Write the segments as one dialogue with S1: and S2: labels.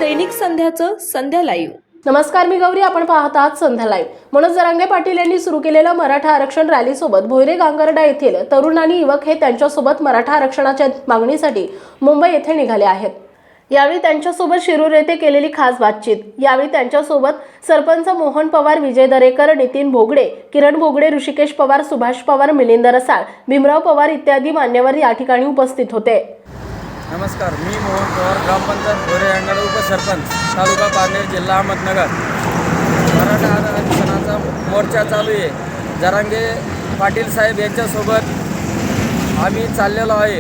S1: दैनिक संध्याचं संध्या लाईव्ह।
S2: नमस्कार, मी गौरी. आपण पाहत आहात संध्या लाईव्ह। मनोज जरांगे पाटील यांनी सुरू केलेल्या मराठा आरक्षण रॅलीसोबत भोयरे गांगर्डा येथील तरुण आणि युवक हे त्यांच्यासोबत मराठा आरक्षणाच्या मागणीसाठी मुंबई येथे निघाले आहेत। यावेळी त्यांच्यासोबत शिरूर येथे केलेली खास बातचीत। यावेळी त्यांच्यासोबत सरपंच मोहन पवार, विजय दरेकर, नितीन भोगडे, किरण भोगडे, ऋषिकेश पवार, सुभाष पवार, मिलिंद रसाळ, भीमराव पवार इत्यादी मान्यवर या ठिकाणी उपस्थित होते।
S3: नमस्कार, मी मोहन पवार, ग्रामपंचायत भोयरे गांगर्डा उपसरपंच, तालुका पारनेर, जिल्हा अहमदनगर। मराठा आरक्षणाचा मोर्चा चालू आहे। जरांगे पाटील साहेब यांच्यासोबत आम्ही चाललेलो आहे।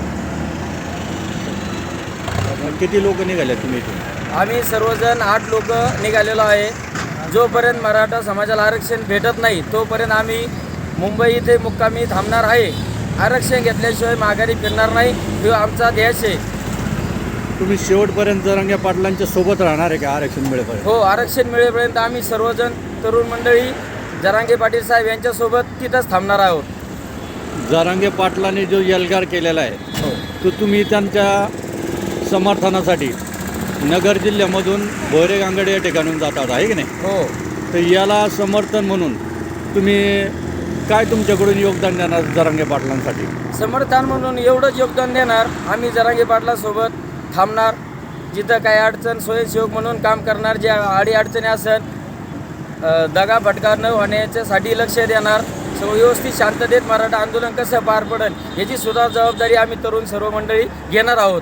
S4: किती लोक निघाले तुम्ही इथून?
S3: आम्ही सर्वजण 8 लोक निघालेलो आहे। जोपर्यंत मराठा समाजाला आरक्षण भेटत नाही तोपर्यंत आम्ही मुंबई इथे मुक्कामी थांबणार आहे। आरक्षण घेतल्याशिवाय माघारी फिरणार नाही, तो आमचा ध्येय आहे।
S4: तुम्ही शेवटपर्यंत जरांगे पाटलांच्या सोबत राहणार आहे का आरक्षण मिळेपर्यंत?
S3: हो, आरक्षण मिळेपर्यंत आम्ही सर्वजण तरुण मंडळी जरांगे पाटील साहेब यांच्यासोबत तिथंच थांबणार आहोत।
S4: जरांगे पाटलांनी जो एल्गार केलेला आहे तो तुम्ही त्यांच्या समर्थनासाठी नगर जिल्ह्यामधून भोयरे गांगर्डा या ठिकाणून जातात आहे की नाही?
S3: हो,
S4: तर याला समर्थन म्हणून तुम्ही काय तुमच्याकडून योगदान देणार जरांगे पाटलांसाठी?
S3: समर्थन म्हणून एवढंच योगदान देणार, आम्ही जरांगे पाटलासोबत थांबणार। जिथं काही अडचण स्वयंसेवक म्हणून काम करणार, जे अडीअडचणी असेल दगा फटका न होण्याच्यासाठी लक्ष देणार। व्यवस्थित शांततेत मराठा आंदोलन कसं पार पडेल याची सुद्धा जबाबदारी आम्ही तरुण सर्व मंडळी घेणार आहोत।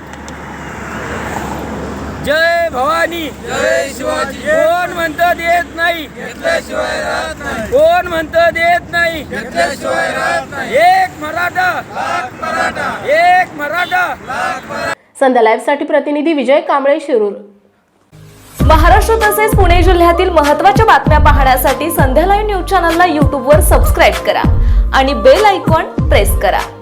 S3: जय भवानी, जय शिवाजी। कोण म्हणतं देत नाही, घेतल्याशिवाय राहत नाही। कोण म्हणतं देत नाही, घेतल्याशिवाय राहत नाही। एक मराठा, लाख मराठा। एक मराठा, लाख मराठा।
S2: संध्या लाईव्ह साठी प्रतिनिधी विजय कांबळे, शिरूर।
S1: महाराष्ट्र तसेच पुणे जिल्ह्यातील महत्त्वाच्या बातम्या पाहण्यासाठी संध्या लाईव्ह न्यूज चॅनलला YouTube वर सबस्क्राईब करा आणि बेल आयकॉन प्रेस करा।